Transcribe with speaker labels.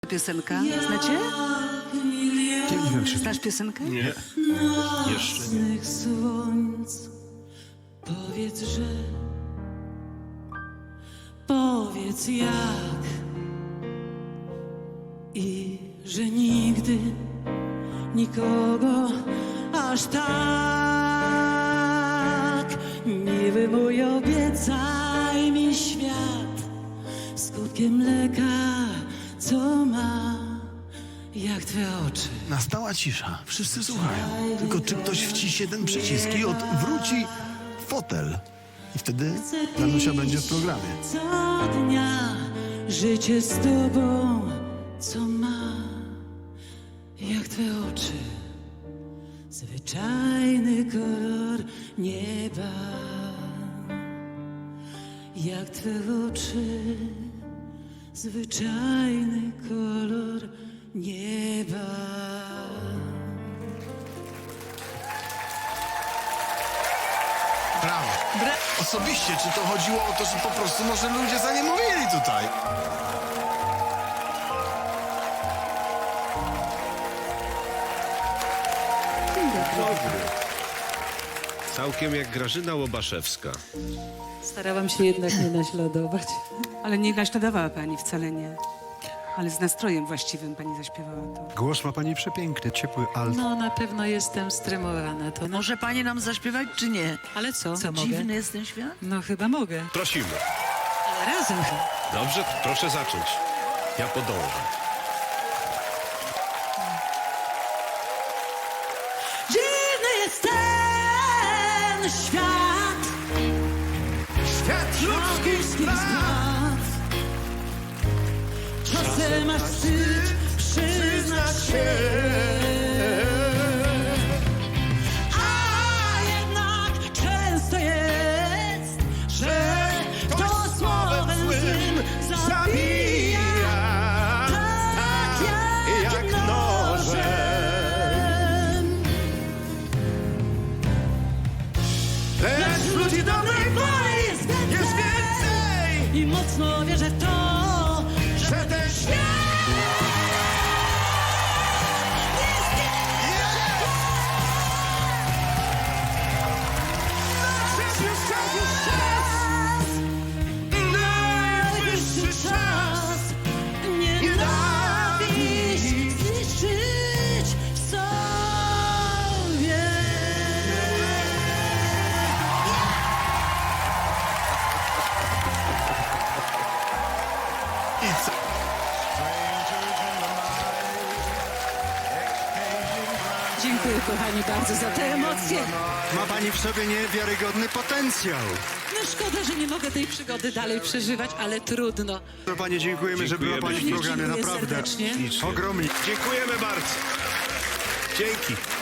Speaker 1: Piosenka, znacie?
Speaker 2: Nie wiem, czy...
Speaker 1: Znasz piosenkę?
Speaker 2: Nie. Jeszcze nie.
Speaker 3: Słońc, powiedz jak i że nigdy nikogo aż tak. Miły mój, obiecaj mi świat skutkiem mleka, co ma jak twe oczy.
Speaker 2: Nastała cisza. Wszyscy słuchają. Tylko czy ktoś wciśnie ten przycisk i odwróci fotel. I wtedy Danusia będzie w programie.
Speaker 3: Co dnia życie z tobą, co ma jak twe oczy, zwyczajny kolor nieba, jak twe oczy, zwyczajny kolor nieba.
Speaker 2: Brawo. Osobiście, czy to chodziło o to, że po prostu może ludzie za nie mówili tutaj?
Speaker 4: Całkiem jak Grażyna Łobaszewska.
Speaker 3: Starałam się jednak nie naśladować.
Speaker 1: Ale nie naśladowała pani, wcale nie. Ale z nastrojem właściwym pani zaśpiewała to.
Speaker 5: Głos ma pani przepiękny, ciepły alt.
Speaker 3: No, na pewno jestem stremowana. To
Speaker 6: Może pani nam zaśpiewać, czy nie?
Speaker 3: Ale co?
Speaker 6: Co,
Speaker 3: mogę?
Speaker 6: dziwny jest ten świat?
Speaker 3: No chyba mogę.
Speaker 4: Prosimy.
Speaker 3: Ale razem chyba.
Speaker 4: Dobrze, proszę zacząć. Ja podążę.
Speaker 3: Dziwny jest ten świat,
Speaker 2: Świat
Speaker 3: ludzkich spraw. Czasem aż wstyd przyznać się, a jednak często jest, że to słowem złym zabija, tak jak nożem.
Speaker 2: Lecz ludzi dobrej woli
Speaker 3: Jest
Speaker 2: więcej!
Speaker 3: i mocno wierzę w to,
Speaker 2: Że ten świat
Speaker 3: najwyższy czas nienawiść zniszczyć w sobie.
Speaker 2: I co?
Speaker 3: Dziękuję kochani bardzo za te emocje.
Speaker 5: Ma pani w sobie niewiarygodny potencjał.
Speaker 3: No szkoda, że nie mogę tej przygody dalej przeżywać, ale trudno.
Speaker 5: To pani dziękujemy, że była pani w
Speaker 4: Dziękujemy.
Speaker 5: programie,
Speaker 3: Dziękuję
Speaker 5: naprawdę.
Speaker 3: serdecznie.
Speaker 5: Ogromnie.
Speaker 4: Dziękujemy bardzo. Dzięki.